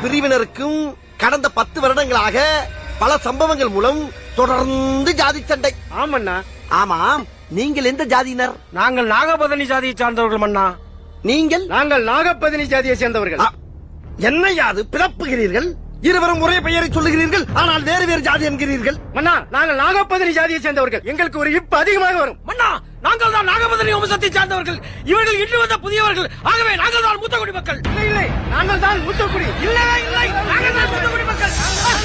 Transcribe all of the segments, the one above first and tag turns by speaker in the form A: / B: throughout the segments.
A: பிரிவினருக்கும் கடந்த 10 வருடங்களாக பல சம்பவங்கள் மூலம் தொடர்ந்து ஜாதி சண்டை.
B: ஆமண்ணா.
A: ஆமாம், நீங்கள் எந்த ஜாதியினர்?
B: நாங்கள் நாகபதனி ஜாதியை சார்ந்தவர்கள் மன்னா.
A: நீங்கள்?
B: நாங்கள் நாகபதனி ஜாதியை சேர்ந்தவர்கள்.
A: என்ன யாது பிறப்புகிறீர்கள்? இருவரும் ஒரே பெயரை சொல்லுகிறீர்கள், ஆனால் வேறு வேறு ஜாதி என்கிறீர்கள்.
B: மன்னா, நாங்கள் நாகபதனி ஜாதியை சேர்ந்தவர்கள். எங்களுக்கு ஒரு இப்பு அதிகமாக வரும்.
C: மன்னா, நாங்கள் தான் நாகபதனி வம்சத்தை சார்ந்தவர்கள். இவர்கள் இன்று வந்த புதியவர்கள். ஆகவே நாங்கள் தான் மூத்த குடி மக்கள்.
B: இல்லை, இல்லை, நாங்கள் தான் மூத்தக்குடி.
C: இல்லை, இல்லை, நாங்கள் தான் மூத்த குடி மக்கள்.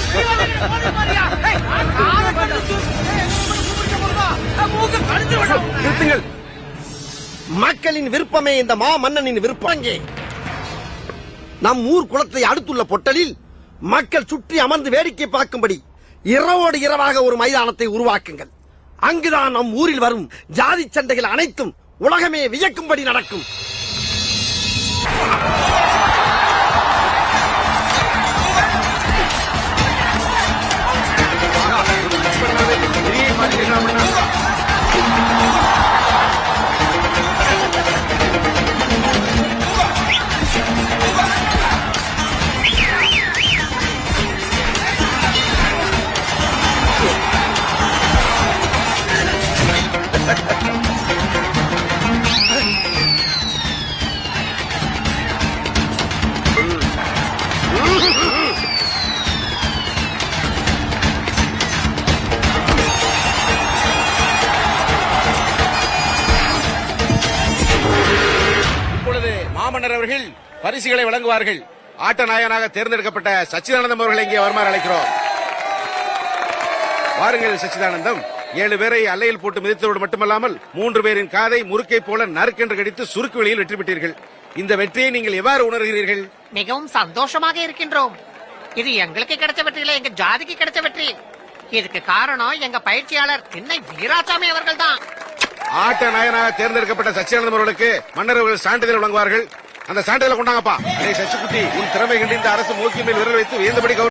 A: நிறுத்துங்கள். மக்களின் விருப்பமே இந்த மா மன்னனின் விருப்பம். அங்கே நம் ஊர் குளத்தை அடுத்துள்ள பொட்டலில் மக்கள் சுற்றி அமர்ந்து வேடிக்கை பார்க்கும்படி இரவோடு இரவாக ஒரு மைதானத்தை உருவாக்குங்கள். அங்குதான் நம் ஊரில் வரும் ஜாதி சண்டைகள் அனைத்தும் உலகமே வியக்கும்படி நடக்கும்.
D: மாமன்னர் அவர்கள் பரிசுகளை வழங்குவார்கள். ஆட்ட நாயகனாக தேர்ந்தெடுக்கப்பட்ட சச்சிதானந்தம் அவர்களை இங்கே வருமாறு அழைக்கிறோம். வாருங்கள் சச்சிதானந்தம். 7 பேரை அல்லையில் போட்டு மிதித்ததோடு மட்டுமல்லாமல் 3 பேரின் காதை முறுக்கை போல நறுக்கென்று கடித்து சுருக்கு வெளியில் வெற்றி பெற்றீர்கள். இந்த வெற்றியை நீங்கள் எவ்வாறு உணர்கிறீர்கள்?
E: மிகவும் சந்தோஷமாக இருக்கின்றோம். இது எங்களுக்கு கிடைச்ச வெற்றி இல்ல, எங்க ஜாதிக்கு கிடைச்ச வெற்றி. இதுக்கு காரணம் எங்க பயிற்சியாளர் திண்ணை வீராசாமி அவர்கள் தான்.
D: ஆட்ட நாயகனாக தேர்ந்தெடுக்கப்பட்ட சச்சிதானந்தம் அவர்களுக்கு மன்னர் அவர்கள் சான்றிதழ் வழங்குவார்கள். அந்த சான்றிதழை கொண்டாங்கப்பா. சச்சிக்குட்டி, உன் திறமை கண்டு இந்த அரசு மூக்கின் மேல் விரல் வைத்து வியந்தபடி